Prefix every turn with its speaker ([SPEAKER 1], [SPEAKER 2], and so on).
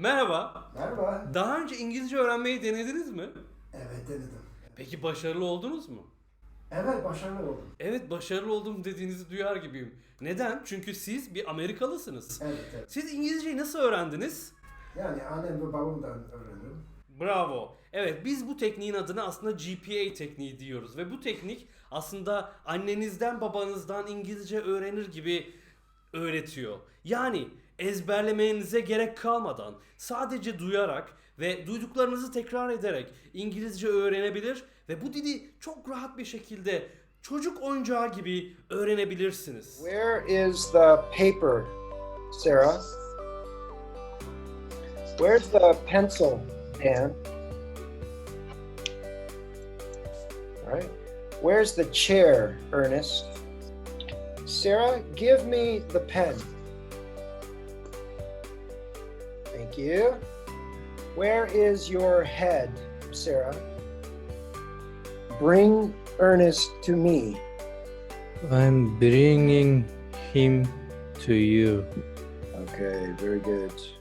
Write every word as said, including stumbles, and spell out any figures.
[SPEAKER 1] Merhaba.
[SPEAKER 2] Merhaba.
[SPEAKER 1] Daha önce İngilizce öğrenmeyi denediniz mi?
[SPEAKER 2] Evet denedim.
[SPEAKER 1] Peki başarılı oldunuz mu?
[SPEAKER 2] Evet başarılı oldum.
[SPEAKER 1] Evet, başarılı oldum dediğinizi duyar gibiyim. Neden? Çünkü siz bir Amerikalısınız.
[SPEAKER 2] Evet evet.
[SPEAKER 1] Siz İngilizceyi nasıl öğrendiniz?
[SPEAKER 2] Yani annem ve babamdan öğrendim.
[SPEAKER 1] Bravo. Evet, biz bu tekniğin adına aslında G P A tekniği diyoruz ve bu teknik aslında annenizden babanızdan İngilizce öğrenir gibi öğretiyor. Yani ezberlemenize gerek kalmadan sadece duyarak ve duyduklarınızı tekrar ederek İngilizce öğrenebilir ve bu dili çok rahat bir şekilde çocuk oyuncağı gibi öğrenebilirsiniz.
[SPEAKER 3] Where is the paper, Sarah? Where's the pencil, Dan? All right. Where's the chair, Ernest? Sarah, give me the pen. Thank you. Where is your head, Sarah? Bring Ernest to me.
[SPEAKER 4] I'm bringing him to you.
[SPEAKER 3] Okay, very good.